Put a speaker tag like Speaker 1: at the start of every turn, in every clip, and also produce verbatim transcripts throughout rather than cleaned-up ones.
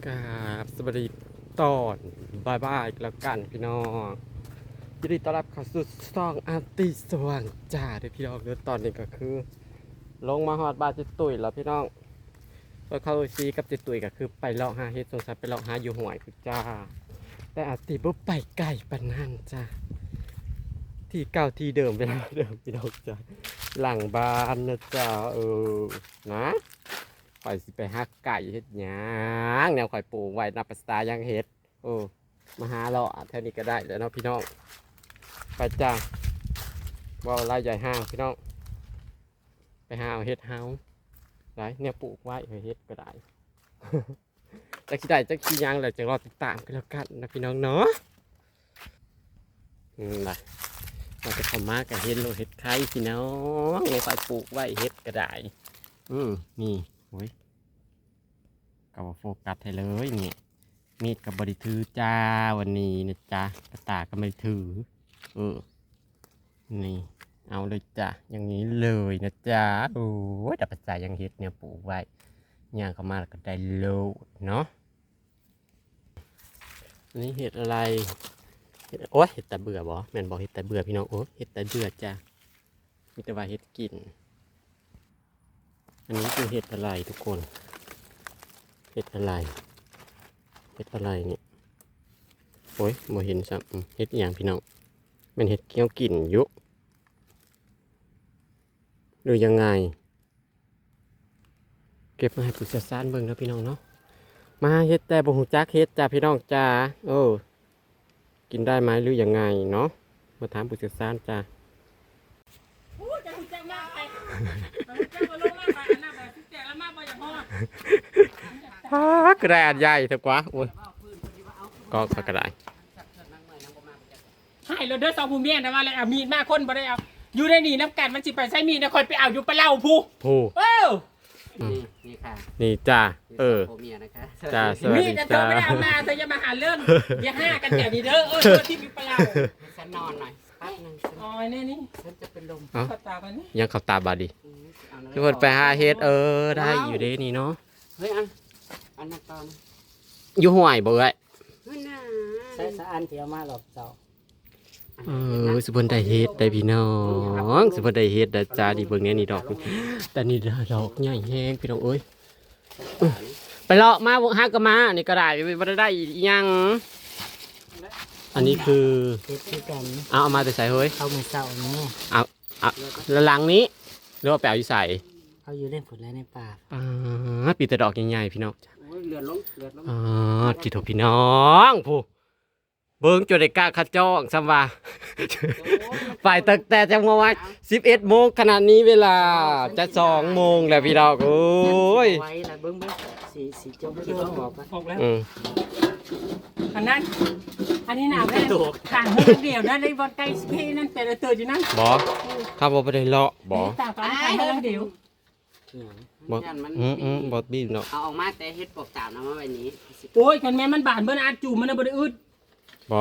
Speaker 1: กราบสวัสดีตอนบายบายแล้วกันพี่น้องยินดีต้อนรับเข้าสู่ช่องอาร์ติสว่างจ้าเด้อพี่น้องเด้อตอนนี้ก็คือ ลงมาฮอดบ้านจิตุยแล้วพี่น้องไปเข้าซีกับจิตุยก็คือไปเลาะหาเฮ็ดสงสัยไปเลาะหาอยู่หวยคือจ้าแต่อาร์ติบ่ไปไกลปานนั้นจ้าที่เก่าที่เดิมเวลาเดิมพี่น้องจ้าหลังบ้านนะจ้าเออนะข่อยสิไปหาไก่เฮ็ดหยังแนวข่อยปลูกไว้นับประสายังเฮ็ดโอ้มาหาเลาะแถวนี้ก็ได้แล้วเนาะพี่น้องไปจ้าบ่าวไล่ใหญ่ห้างพี่น้องไปหาเอาเฮ็ดเฮาได้เนี่ยปลูกไว้เฮ็ดก็ได้ จะขี้ได้จะขี้ยังเลยจะรอติดตามกันแล้วกันนะพี่น้องเนาะอืมล่ะเราจะเข้ามากับเฮ็ดโลเฮ็ดไข่พี่น้องในฝ่ายปลูกไว้เฮ็ดก็ได้อืมนี่โอ้ยก็โฟกัสให้เลยเนี่ยมีดกับบริถือจ้าวันนี้นะจ้ากระตาก็ไม่ถือเออนี่เอาเลยจ้ะอย่างนี้เลยนะจ๊ะโอ้ยดับปัจจัยยังเฮ็ดเนี่ยปลูกไว้ย่างเข้ามาแล้วก็ได้โลเนาะนี่เห็ดอะไรเห็ดโอ้ยเห็ดแต่เบื่อบ่แม่นบอกเห็ดแต่เบื่อพี่น้องโอ้เห็ดแต่เบื่อจ้ะมีแต่ว่าเห็ดกินอันนี้คือเห็ดอะไรทุกคนเห็ดอะไรเห็ดอะไรเนี่ยโอ้ยบ่เห็นซ้ำเห็ดอย่างพี่น้องมันเห็ดเกี้ยวกินยุหรือยังไงเก็บมาให้ผู้เชี่ยวชาญเบิ่งแล้วพี่น้องเนาะมาเฮ็ดแต่บ่ฮู้จักเฮ็ดจ้าพี่น้องจ้าเออกินได้ไหมหรือยังไงเนาะมาถามผู้เชี่ยวชาญจ้าฮู้จะฮู้จักมากไปจะบ่ลงมาไปอันนั้นแบบแจกแล้วมาบ่อยากฮอดฮ่ากระดาษใหญ่เถอะกว่าโอ้ยก็กระดาษ
Speaker 2: ให้เราเด้อสองผู้เมียนะว่าแล้วเอามีดมาคนบ่ได้เอาอยู่ในนี่น้ำกันมันสิไปใช้มีดนะคอยไปเอาอยู่ปะเล่าผู้
Speaker 1: ผู้
Speaker 2: เอ้า
Speaker 3: นี่นี่ค่ะ
Speaker 1: นี่จ้าเออ
Speaker 3: โอเมียนะคะ
Speaker 1: จ้าสวัส
Speaker 2: มี
Speaker 1: ดี
Speaker 2: ดนะเธอ
Speaker 1: จ้า
Speaker 2: ไม่ได้เอามาเธอจะมาหาเรื่องอย่าห้ากันแต่นี้เด้อเออเธอที่มีปะเล่า
Speaker 3: ฉันนอนหน่อยแป๊บนึงฉัน
Speaker 2: อ๋อเนี่ยนี่
Speaker 3: ฉันจะเป็นลม
Speaker 1: เอ้า
Speaker 2: ขอตากันนี่
Speaker 1: ยังขับตาบาดดี
Speaker 3: อืมเอาหน่อย
Speaker 1: ทุกคนไปหาเฮ็ดเออได้อยู่เด้นี่เนาะ
Speaker 3: เฮ้ยอันอันนั้นตอน
Speaker 1: อยู่ห่วยบ่เอ้ย
Speaker 3: เฮ้ยน่า
Speaker 4: ใช้สะอันเที่ยวมาหลอกเจ้า
Speaker 1: เออสุพรรณได้เฮ็ดได้พี่น้องสุพรรณได้เฮ็ดได้จ้าดีเบิ่งแน่นี่ดอกแต่นี่ดอกใหญ่แฮงพี่น้องเอ้ยไปเลาะมาฮักก็มานี่ก็ได้บ่ได้ได้อีหยังอันนี้คือ
Speaker 4: เฮ็ดคือกัน
Speaker 1: เอาเอามาแต่ใส่เฮ้ย
Speaker 4: เอามือเศร้านี้
Speaker 1: เอาเอาแล้วหลังนี้หรือว่าไปเอาอยู่ใส่
Speaker 4: เอาอยู่เล่นผลและในป่า
Speaker 1: อ่าปีแต่ดอกใหญ่ๆพี่น้อง
Speaker 3: โอ้ยเลือดลงเลือดลง
Speaker 1: อ่าจิโตพี่น้องผู้เบิ่งจนได้กล้าคัดจ้องซ้ำว่า ไปตั้งแต่จังหวะสิบเอ็ดโมงขนาดนี้เวลาจะสองโมงแล้วพี่น้องโอ้ย
Speaker 4: ไว้ละเบิ้งเบิ้งสีสีจมคิดว่าหมอกปะ
Speaker 2: บอกแล้ว
Speaker 1: อืม
Speaker 2: อันนั้นอันนี้หนาวแน่ต่างเฮือเดียวนั่นในบอลไก่สเปนนั่นเป็นตัวอยู่นั่น
Speaker 1: บอข้าบอไปได้เลาะบอ
Speaker 2: ต่างกันต่างเฮือเดียว
Speaker 1: บอ
Speaker 3: ยันมัน
Speaker 1: อืมอืมบอบีบเนาะ
Speaker 3: เอาออกมาแต่เฮ็ดปกตามนะมาไว้นี้
Speaker 2: โอ้ยคันแม่มันบานเบิ่นอาจูมันน่ะบ่ได้อึด
Speaker 1: บ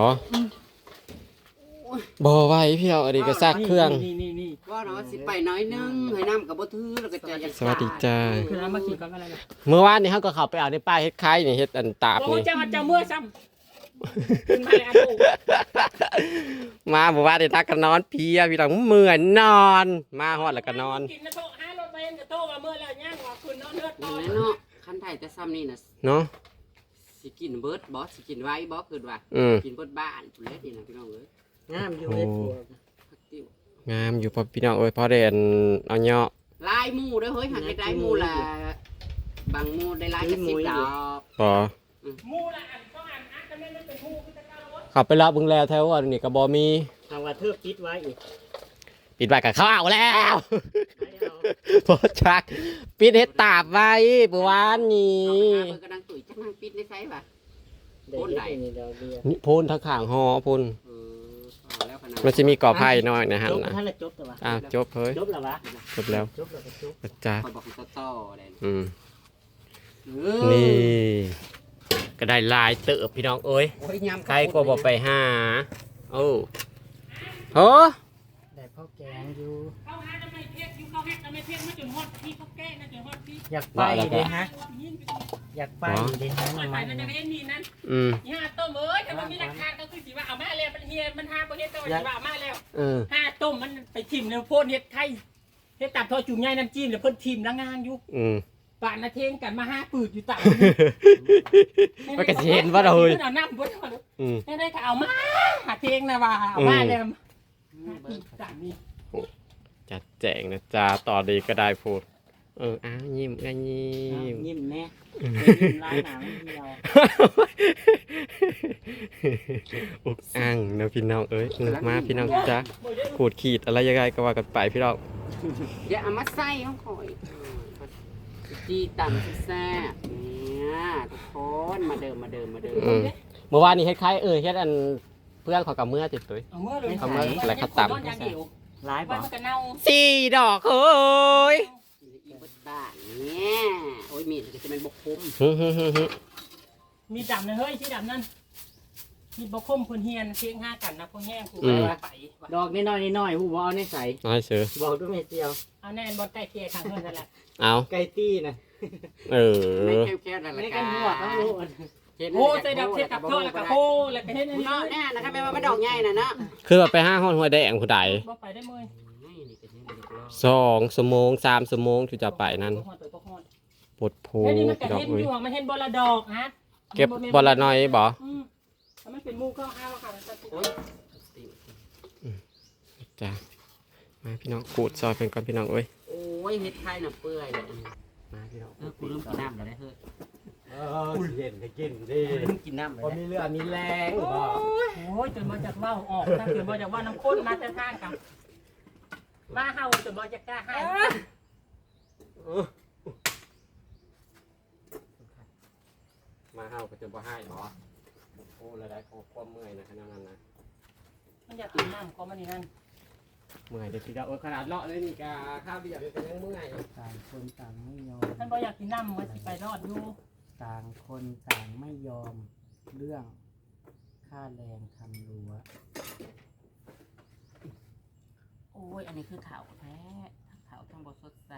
Speaker 1: อบอไว้พี่เอาอันนี้ก็ซากเครื่อง
Speaker 2: นี่นี่นี่
Speaker 3: ว่าเนาะสิไปน้อยนึงให้น้ำกับบ่ถือแล้วก็จะอยาก
Speaker 1: สวัสดีจ้า
Speaker 2: คือน้ำมาขี่กันอะไรนะ
Speaker 1: เมื่อวานนี้เขาก็เข้าไปเอาในป้ายเฮ็ดไข่นี่เฮ็ดอันตาบ
Speaker 2: โอ้ย
Speaker 1: นี่
Speaker 2: เจ้าเจ้าเมื่อซ้ำขึ้นมาเลยอาจู
Speaker 1: มาบอกว่าได้ทักกันนอนเพลียพี่น้องเมื่อยนอน มาฮอดแล้วก็นอน
Speaker 2: กินนะโตห้ารถเบนกับโตว่าเมื่อแล้วย่างว่าคืนนอนเลือด
Speaker 3: นั่
Speaker 2: ต่
Speaker 3: น
Speaker 2: อ
Speaker 3: แหละเนาะคันไทยแต่ซ้ำนี่น่ะ
Speaker 1: เนาะ
Speaker 3: สิกินเบิดบ่สิกินไว้บ่คือว่า
Speaker 1: อืม
Speaker 3: กินเบิดบ้านพุ่นเลยนี่นะพี่น้องเอ้ย
Speaker 4: งามอยู่เฮ็ดผัว
Speaker 3: พักติ้ว
Speaker 1: งามอยู่พอพี่น้องเอ้ยพอได้อันเอาเนาะ
Speaker 3: ลายหมูเด้อเฮ้ยหันได้หมูละบางหมูได้ลายกระสิบดอก
Speaker 1: บอ
Speaker 2: มูละอันต้องอันอันจะไม่ไม่เป็นมูคือจะก้าวรถ
Speaker 1: ขับไปรับเบึงแล้วแถวอันนี้ก็บอมี
Speaker 4: ทางว่าเทือกปิดไว้อีก
Speaker 1: ปิดไว้กับข้าวแล้ว
Speaker 4: ไม่เอา
Speaker 1: พอชักปิดเฮ็ดตาบไว้เมื่อวานนี้
Speaker 3: เอาไปกระดังตุ๋ยจักนางปิดได้ไสป่ะ
Speaker 4: เด็ก
Speaker 3: โอนไหน
Speaker 4: นี่ดอกเบี้ย
Speaker 1: นี่พูนทั้งข้างหอพูน
Speaker 3: เออเอาแล้วขนาด
Speaker 1: มันจะมีก่อไผ่น้อยนะฮะ
Speaker 4: จบ
Speaker 1: นะ
Speaker 4: ท่านละจบแต่ว่า
Speaker 1: อ้าวจบเฮ้ย
Speaker 4: จบแล้ววะ
Speaker 1: จบแล้ว
Speaker 4: จบแล้วก็จบ
Speaker 1: จ้า
Speaker 3: คอยบอกให้ต่อๆเลย
Speaker 1: อืม
Speaker 3: เออ
Speaker 1: นี่ ก็ได้ลายเติบพี่น้องเอ้ย
Speaker 3: โอ้ยยำ
Speaker 1: ใครก็บอกไปหาโอ้โห
Speaker 4: ได้พ่อแกงอยู่
Speaker 2: เข้าหาทำไมเพี้ยนอยู่เข้าแฮกทำไมเพี้ยนมาจนฮอดพี่เขาแก้นะจนฮอดพี่
Speaker 4: อยากไปเด้ฮะ
Speaker 2: ยิงไป
Speaker 4: อยากไปเดินทาง
Speaker 2: ไป
Speaker 4: มา
Speaker 2: มันจะเห็นนี่นั่น
Speaker 1: อืม
Speaker 2: ห้าต้มเอ้ยถ้ามันมีราคาก็คือสิว่าเอามาแล้วมันเฮียมันห้าประเทศก็สิว่าเอามาแล้ว
Speaker 1: เออ
Speaker 2: ห้าต้มมันไปทิมเนื้อโพดเฮ็ดไข่เฮ็ดตับทอดจุ่มใหญ่น้ำจิ้มแล้วเพิ่นทิมละงานอยู่
Speaker 1: อืม
Speaker 2: ป่านนาเทงกันมาห้าปืดอยู่ตับ
Speaker 1: มันก็สิเห็นว่าเราเฮ้ย
Speaker 2: เอาน้ำบ่ได้
Speaker 1: อืม
Speaker 2: ได้ก็เอามาหาเทงนะว่าเอามาแล้วตับนี่
Speaker 1: จัดแจงนะจ๊ะต่อดีก็ได้พูดเอออ้าวยิ้มก็ยิ้ม
Speaker 4: ยิ้มแน่ยิ้มร้ายหนังเดียว
Speaker 1: อุกอ่างนะพี่น้องเอ้ยเงือกมาพี่น้องจ๊ะขูดขีดอะไรยังไงก็ว่ากันไปพี่น้อง
Speaker 3: อย่าเอามาใส่ของข่อยจีต่ำแซ่บเนี่ยทุกคนมาเดิมมาเดิมมาเดิม
Speaker 1: อืมเมื่อวานนี้เฮ็ดคล้ายเออเฮ็ดอันเพื่อนเขอกับเมื่อติดตุ้ย
Speaker 2: เอาเมื่อเลย
Speaker 1: เอามาแล้วเขาตับ
Speaker 2: อย่างเดียว
Speaker 4: ร้าย
Speaker 2: ไว้
Speaker 4: บ่
Speaker 2: มันก็เน่า
Speaker 1: สี่ดอกเฮ้ย
Speaker 3: อีบดบ้านเนี่ยโอ้ยมีดก็จะเป็นบกคุ้ม
Speaker 1: ฮึฮึฮึฮึ
Speaker 2: มีดำนะเฮ้ยที่ดำนั่นมีบ่คมคนเฮียนเพียงห้ากันนะพวกแห้งกูไปว่าไปว่ะ
Speaker 4: ดอกน้อยๆน้อยๆหูบ่เอาในใส่
Speaker 1: น้อยเสือ
Speaker 4: บอกด้วยเมเจียว
Speaker 2: เอาแน่นบอลใกล้เคียงทางเพื่อนนั่นแหละ
Speaker 1: เอา
Speaker 4: ไก่ตี้นะ
Speaker 1: เอ
Speaker 3: ไม่
Speaker 1: อ
Speaker 3: แค่ๆนั่นแหละ
Speaker 4: ไม่กันหัวต้องรู้
Speaker 2: โอ้ใส่ดำใส่กับเพื่อนแล้วก็โอ้แล้วก็เฮ็ดอันนี้
Speaker 3: เนาะเนี่ยนะครับแม่ว่ามันดอกใหญ่น่ะเนาะ
Speaker 1: คือว่าไปห้าห้องหัวแดงผู้ใด
Speaker 2: บ่ไปได้เมื่อย
Speaker 3: นี่เป็นยังไงลูก
Speaker 1: สองชั่วโมงสามชั่วโมงที่จะไปนั้น
Speaker 2: บ่ฮอดไปบ่ฮอด
Speaker 1: ปวดโพ
Speaker 2: เฮ้ยนี่มันก็
Speaker 1: ดอก
Speaker 2: เห็น
Speaker 1: เอ้
Speaker 2: อย ยู่มันเห็นบอละดอกฮะ
Speaker 1: เก็บบอลละน้อยบ่
Speaker 2: อืมแล้วมันเป็นหมูเข้าอ้าวค่ะมันจะโอ้ย
Speaker 1: จ้ะมาพี่น้องขูดซอยเป็นก่อนพี่น้องเอ้ย
Speaker 3: โอ้ยเฮ็ดไข่น่ะเปื่อยเลย
Speaker 1: มาพี่น้อง
Speaker 3: เออกูลืมกินน้ำแล้วได้เฮ้ย
Speaker 1: เออเย็นก็กินดิ
Speaker 3: ลืมกินน้ำเลย
Speaker 1: พอมีเรือมีแรงบ่
Speaker 2: โอ้ยจนมาจากว่าออกถ้าเกิดมาจากว่าน้ำข้นมาแต่ทางกับมาเฮาจนมาจากกล้าให้
Speaker 1: มาเฮาก็จะบ่ให้หรอโอ้ระได้เขาความเมื่อยนะขนาดนั้นนะ
Speaker 2: มันอยากกินน้ำก็มันนี่นั่น
Speaker 1: เมื่อยเดี๋ยวพี่จะโอ้ขนาดเลาะเลยนี่กาข้าวเดียวก็ยังเมื่อย
Speaker 4: ต่างคนต่างไม่ยอม
Speaker 2: ท่านบอกอยากกินน้ำมันสิไปรอดอยู่
Speaker 4: ต่างคนต่างไม่ยอมเรื่องค่าแรงทำรั้ว
Speaker 3: โอ้ยอันนี้คือขาวแท้ทั้งขาวทั้งบสดใส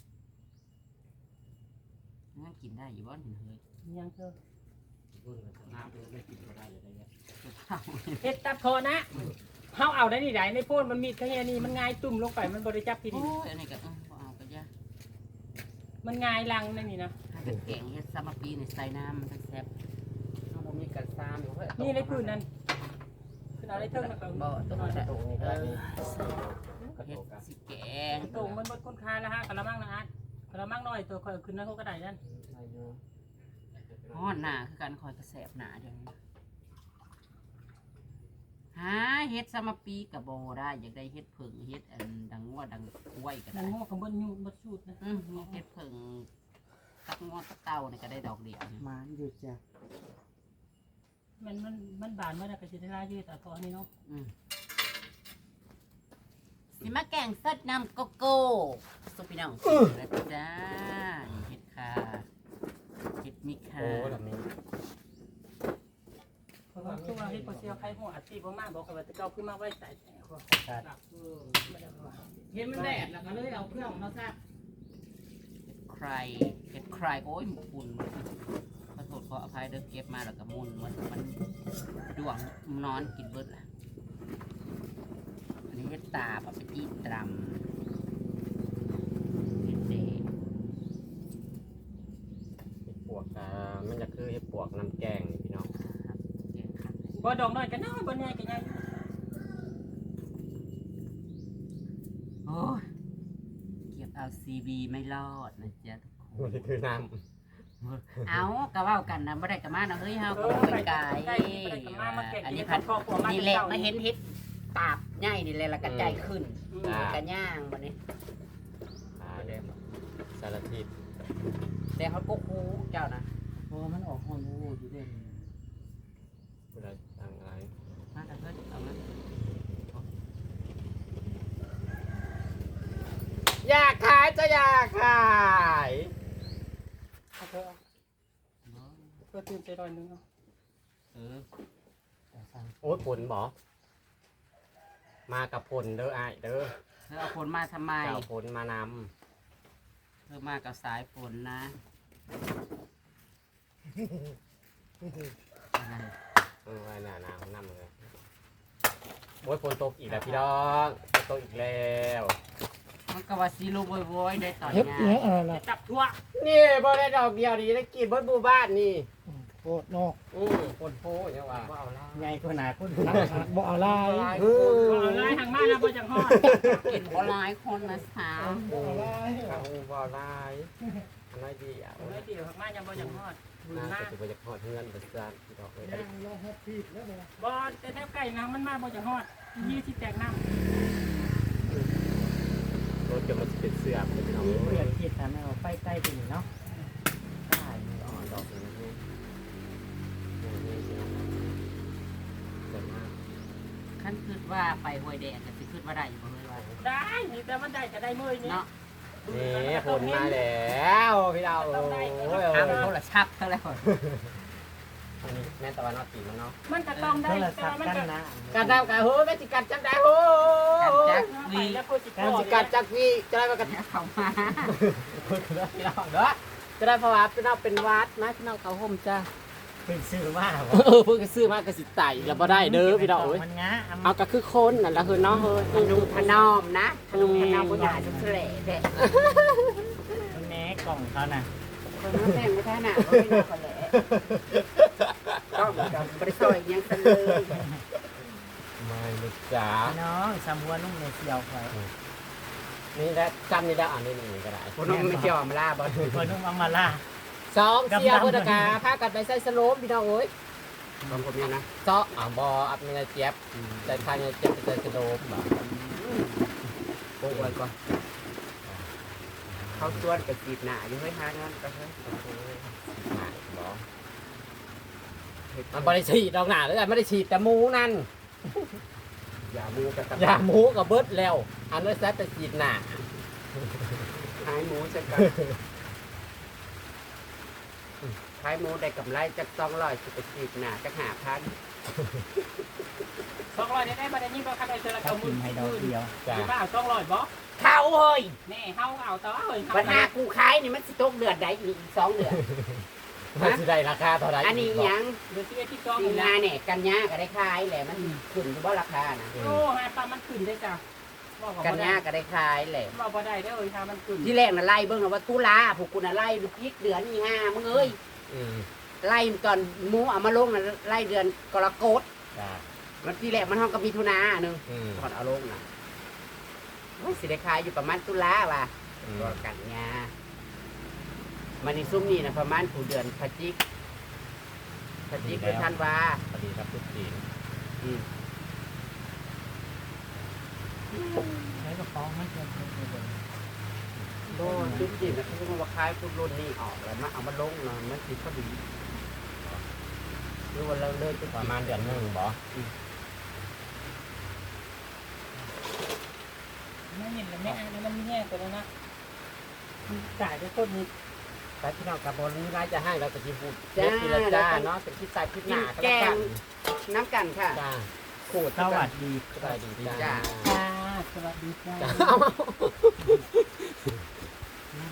Speaker 3: งั้นกินได้อยู่บ้านเห็นเฮ้ย
Speaker 2: ยังเธอ
Speaker 1: น้ำไม่กินก็ได้เลยได้เงี้ย
Speaker 2: เฮ็ดตับคอนะเฮาเอาได้นี่ได้ในโพนมันมีแค่นี้มันง่ายตุ่มลงไปมันบริจับที
Speaker 3: โอ้
Speaker 2: นี้
Speaker 3: ยอันนี้ก็เออบ่เอาก็ยาก
Speaker 2: มันง่ายลังนั่นนี่นะ
Speaker 3: ถ้าเป็นแกงเฮ็ดซามาปีนี่ใส่น้ำมันทั้งแซ่บ
Speaker 1: ถ้าผมมีกันซ้ำอยู่เฮ้ย
Speaker 2: นี่ในพื้นนั่นคือเอาได้เทิงนะ
Speaker 3: บ่ต้องเอา
Speaker 1: ตรงนี้
Speaker 3: เอ
Speaker 1: ได้
Speaker 3: อ
Speaker 1: กระ
Speaker 3: เฮ็
Speaker 1: โด
Speaker 3: ด
Speaker 1: ดกัน
Speaker 3: สิแกง
Speaker 2: ตรงมันบดคนคาแล้วฮะกระมังนะฮะกระมังน้อยตัวคอยขึ้นนั่นเขาก็ได้นั่น
Speaker 3: ฮ้อนหน้าคือการคอยกระแสบหนาเดี๋ยวนี้หาเฮ็ดซามาปีกับบ่ได้อยากได้เฮ็ดผึ่งเฮ็ดอันดังงัวดังกล้วยก็
Speaker 2: นั่
Speaker 3: ได้
Speaker 2: งงอกกับบนยูบดชูดนะ
Speaker 3: อืมมีเฮ็ดผึ่งตักงอตักเต้านี่ก็ได้ดอกเดียวนี่
Speaker 4: มานอยู่จ้ะ
Speaker 2: มันมันมันบานเมื่อไรก็จะได้ลายืดแต่พอนี่เนาะ
Speaker 3: อืมสิมาแกงสดน้ำโกโก้สุพี่น้องแล้วจ้านี่เฮ็ดค่ะเฮ็ดมิค่ะ
Speaker 1: โอ้แบบนี้
Speaker 2: เพราะว่าช่วงที่พอเชียวใครหัวอาชีพมากบอกว่าจะเก้าขึ้นมาไว้ใส่แหนหัวเห็นมันแดดแล้วก็เลยเอาเครื่องมาซัก
Speaker 3: ใครเฮ็ดใครโอ้ยปุ่นขอโทษขออภัยเด้อเก็บมาแล้วก็มุนมันมันดวงนอนกินเบิดล่ะอันนี้เฮ็ดตาปะไปจี้ตรำเฮ็ดเด
Speaker 1: เห็ดปวกอ่ามันจะคือเห็ดปวกน้ำแกงนี่พี่น้อง
Speaker 3: เฮ็ดครับ
Speaker 2: บ่ดอกน้อยกันน้อยบ่ใหญ่กันใหญ่
Speaker 3: โอ้ยเก็บเอาซีบีไม่รอดนะจ๊ะทุกค
Speaker 1: มัน
Speaker 3: น
Speaker 1: จะคือน้
Speaker 3: เอากะเว้ากันนะบ่ได้กะมานะเฮ้ยเฮาก็บ่ไปไกลอันนี้พัดนี่แหละมาเห็นเฮ็ดตาบใหญ่นี่แหละแล้วก็ใจขึ้นกะย่างบัดนี้
Speaker 1: ำขาแดงสารทิศ
Speaker 3: แต่เขาก็คูเจ้านะ
Speaker 4: เพราะว่ามันออกฮอนวูอยู่เด่น
Speaker 1: ผู้ใดสั่งอะไร
Speaker 3: มาแต่เพิ่นเอามา
Speaker 1: อยากขายจะอยากขาย
Speaker 2: เอาเถอะเพื่อตื่นใจหน่อยนึงเนาะ
Speaker 1: เออ
Speaker 4: แต่สั่ง
Speaker 1: โอ้ยผลบอมากับผลเด้อไอ้ายเด้อ
Speaker 3: เธอเอาฝนมาทำไม
Speaker 1: เจ้าผลมาน
Speaker 3: เธอมากับสายฝนนะ
Speaker 1: ำเออไว้หน้าหนาวน้ำเลยโอ้ยฝนตกอีกแล้วพี่น้องฝนตกอีกแล้ว
Speaker 3: มันก็ว่าซีโร่โวยๆได้ตอน
Speaker 4: เฮ็ด
Speaker 3: นี้
Speaker 4: เนี้ยอะไรล่ะ
Speaker 2: จับทั่ว
Speaker 1: นี่บ่ได้ดอกเดียวดีได้กินเบิดหมู่บ้านนี่
Speaker 4: โคตรนอก
Speaker 1: อือฝนโพยังว่าบ่เอาละ
Speaker 4: ใหญ่กว่าหนาคนนักบ่เอาลาย
Speaker 1: เออ
Speaker 2: เอาลายทางบ้านนะบ่จังฮอด
Speaker 3: กินบ่หลายคนนะสาว
Speaker 1: บ่เอาลายเอาบ่เอาลายอันน้อยดีอ่ะ
Speaker 2: เอาเลยเดี๋ยวทางบ้านยังบ่จังฮอดบุญ
Speaker 1: น่า
Speaker 2: มา
Speaker 1: จะไปจะทอดเฮือนประจานพี่ดอกเลย
Speaker 2: บ่แต่แถวไก่น้ำมันมาบ่จังฮอดยี่สิแตกน้ำ
Speaker 1: รถจะมาเป็นเสื้อเป็นพี่น้อง
Speaker 4: นี่
Speaker 1: เอ้
Speaker 4: เปลี่ย
Speaker 1: ย
Speaker 4: นคิดทำให้เราไปใกล้ตัวนี้เนาะได้
Speaker 1: อ๋อดอกนี้นี่นี่สิน้องเกิดมาก
Speaker 3: คันคิดว่าไปห้วยแดงก็สิคิดว่าได้อยู่บ่เลยว่า
Speaker 2: ได้นี่แต่มันได้จะได้มื้อนี้
Speaker 3: เนาะ
Speaker 1: นี่ผลมาแล้วพี่ดาวโอ้ย
Speaker 3: ทางโทรศัพท์เท่าไหร่
Speaker 1: อันนี้แม่ตะวันออกตีมันเนาะ
Speaker 2: มันก็ต้องได้
Speaker 4: โทร
Speaker 2: แต่
Speaker 4: ศัพท์
Speaker 2: มัน
Speaker 4: กัน
Speaker 2: ก็
Speaker 4: นะ
Speaker 1: กัดดาวกัดโหแม่จิกัดจับได้โห
Speaker 3: จัก
Speaker 2: ไป
Speaker 3: วี
Speaker 2: แล้วก็สิ
Speaker 1: แม่จิกัดจักพี่จะได้มากัด
Speaker 3: เข้ามา
Speaker 1: พี่น้องเด้อจะได้เพราะว่าพี่น้องเป็นวัดนะพี่น้องเขาห่มจ้า
Speaker 4: เป็นซื้อว่า
Speaker 1: เออเพิ่งซื้อมากระสิไต่แล้วบ่ได้เด้อพี่น้องเอ้ย
Speaker 4: มันงะ
Speaker 1: เอาก็คือคนนั่นละคือเนาะเฮ้ย
Speaker 3: พนุพนอมนะพนุพนอมบ่ได้จะแฉลแท้
Speaker 4: มันแหนกล่องเขาน่ะ
Speaker 3: คนมาแต่งบ่ทันน่ะบ่ได้น่าคนแหละต้องกับบริซอยยังซันเลย
Speaker 1: ไม่ลูกจ๋า
Speaker 4: น้องสำหัวนุ่มในเสียวคอย
Speaker 1: นี่แหละจำนี่ได้อ่านนี่นี่ก็ได้
Speaker 3: พนมไม่ยอมลาบ่
Speaker 4: หัวนุ่มเอามาล่า
Speaker 1: สองเสียพุทธกาพากันไปใส่สโลมพี่น้องเอ้ย
Speaker 3: บางคนเนี่ยนะ
Speaker 1: เจาะอ่าบออัพมีนาเจี๊ยบใส่ทางนาเจี๊ยบไปใส่สโลมบ่
Speaker 3: โอ้ยก่อนเขาชวนกับจีบหน้าอยู่เฮ้ยหางานก็เฮ้ย
Speaker 1: หาบอมันไม่ได้ฉีดดอกหนาเลยไม่ได้ฉีดแต่หมูนั่น
Speaker 3: อย่ามูกับตะ
Speaker 1: ยาหมูกับเบิร์ดแล้ว อันนั้นแซ่บแต่ฉีดหนา
Speaker 3: ขายหมูจะกันขายหมูได้กำไรจากสองร้อยสิบจีบหน้าจากหาพัน
Speaker 2: สองร้อยได้ได้บ่ได้นี่บ่คันได้เจอละ
Speaker 4: เขา
Speaker 2: เก้าห
Speaker 4: กิ
Speaker 2: มื่
Speaker 4: น
Speaker 2: น
Speaker 4: ให้ดอกเดียว
Speaker 1: จ้า
Speaker 2: สิบ่เอาสองร้อยบ่
Speaker 3: เข้าเฮ้ย
Speaker 2: แน่เฮาเอาต่อเฮ้ย
Speaker 3: ปัญหากูขายนี่มันสิตกเดือนใดอีกสองเดือน
Speaker 1: มันจะได้ราคาเท่าไหร่
Speaker 3: อันนี้ยัง
Speaker 2: เดี๋ยวสิเอ็ดที่สอง
Speaker 3: สิ
Speaker 2: นี่
Speaker 3: ง
Speaker 2: นะ
Speaker 3: หาเนี่ยกันยาก็ได้ขายแหละมันขึ้นอยู่บ่ราคานะ
Speaker 2: โอ้หาปลามันขึ้นได้จ้ะบ่ก็
Speaker 3: กัน
Speaker 2: บ่ได้
Speaker 3: ยาก็ได้ขายแหละ
Speaker 2: บ่บ่ได้เด้อเฮ้ยถ้ามันขึ้น
Speaker 3: ที่แรกน่ะไล่เบิ่งแล้วว่าตุลาพวกกูน่ะไล่ดูพริกเดือนนี่ห้ามึงเอ้ย
Speaker 1: อืม
Speaker 3: ไล่ตอนหมูเอามาลงน่ะไล่เดือนกรกฎ
Speaker 1: จ้า
Speaker 3: มันที่แรกมันห้องกับมิถุนาหนึง
Speaker 1: อืม
Speaker 3: ก่อนเอาลงน่ะโอ้ยสิได้ขายอยู่ประมาณตุลาว่ะ
Speaker 1: อืม
Speaker 3: ตัวกันยามันนี่ซุ่มนี่น่ะประมาณผู้เดือนพฤศจิกพฤศจิกคือธันวา
Speaker 1: พอดีครับทุกที
Speaker 3: อืม
Speaker 4: ใช้กระป๋องมันเกินเกินเกิน
Speaker 3: โดนจุดจีนนะเขาบอกว่าคล้ายพวกรุ่นนี้ออกแล้วมาเอามาลงเนาะมันติดพอดีหรือว่าเราเลิกจุด
Speaker 1: ประมาณเดือนหนึ่งบอ
Speaker 2: ไม่เห็นเลยไม่อ่านแล้วมันแย่ตัวแล้วนะจ่ายไปคนนี้
Speaker 1: แต่พี่น้องกับบอลนี้ร้ายจะให้เราจะกินพูดเจ็บกินละจ้าเนาะเป็นคิดใส่คิดหนา
Speaker 3: แกงน้ำกันค่ะ
Speaker 1: จ้า
Speaker 3: ขูด
Speaker 4: สวัสดี
Speaker 1: สบายดีจ้า
Speaker 2: จ้าสวัสดีจ้า
Speaker 1: จ้าเอา